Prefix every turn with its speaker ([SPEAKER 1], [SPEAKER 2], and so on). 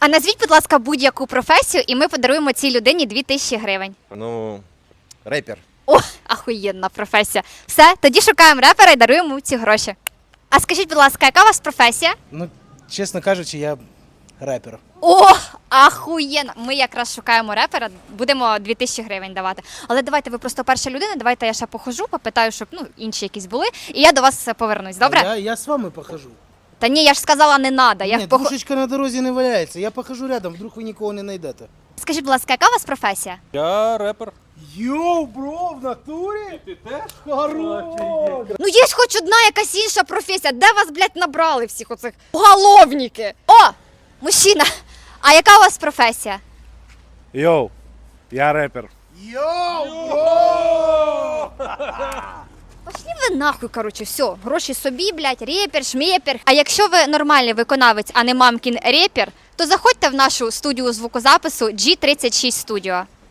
[SPEAKER 1] А назвіть, будь ласка, будь-яку професію, і ми подаруємо цій людині 2000 гривень.
[SPEAKER 2] Ну, репер.
[SPEAKER 1] О, ахуєнна професія. Все, тоді шукаємо репера і даруємо йому ці гроші. А скажіть, будь ласка, яка у вас професія?
[SPEAKER 3] Ну, чесно кажучи, я репер.
[SPEAKER 1] О, ахуєнно! Ми якраз шукаємо репера, будемо 2000 гривень давати. Але давайте, ви просто перша людина, давайте я ще похожу, попитаю, щоб інші якісь були, і я до вас повернусь, добре?
[SPEAKER 3] Я з вами похожу.
[SPEAKER 1] Та ні, я ж сказала, не надо.
[SPEAKER 3] Ні, душечка на дорозі не валяється. Я похожу рядом, вдруг ви нікого не знайдете.
[SPEAKER 1] Скажіть, будь ласка, яка у вас професія?
[SPEAKER 4] Я репер.
[SPEAKER 3] Йоу, бро, в натурі?
[SPEAKER 4] Ти теж?
[SPEAKER 3] Хорош!
[SPEAKER 1] Ну є ж хоч одна якась інша професія. Де вас, блядь, набрали всіх оцих уголовники? О, мужчина, а яка у вас професія?
[SPEAKER 5] Йоу, я репер.
[SPEAKER 3] Йоу, бро!
[SPEAKER 1] Пошли ви нахуй, короче, все, гроші собі, блядь, репер, шмєпер. А якщо ви нормальний виконавець, а не мамкін репер, то заходьте в нашу студію звукозапису G36 Studio.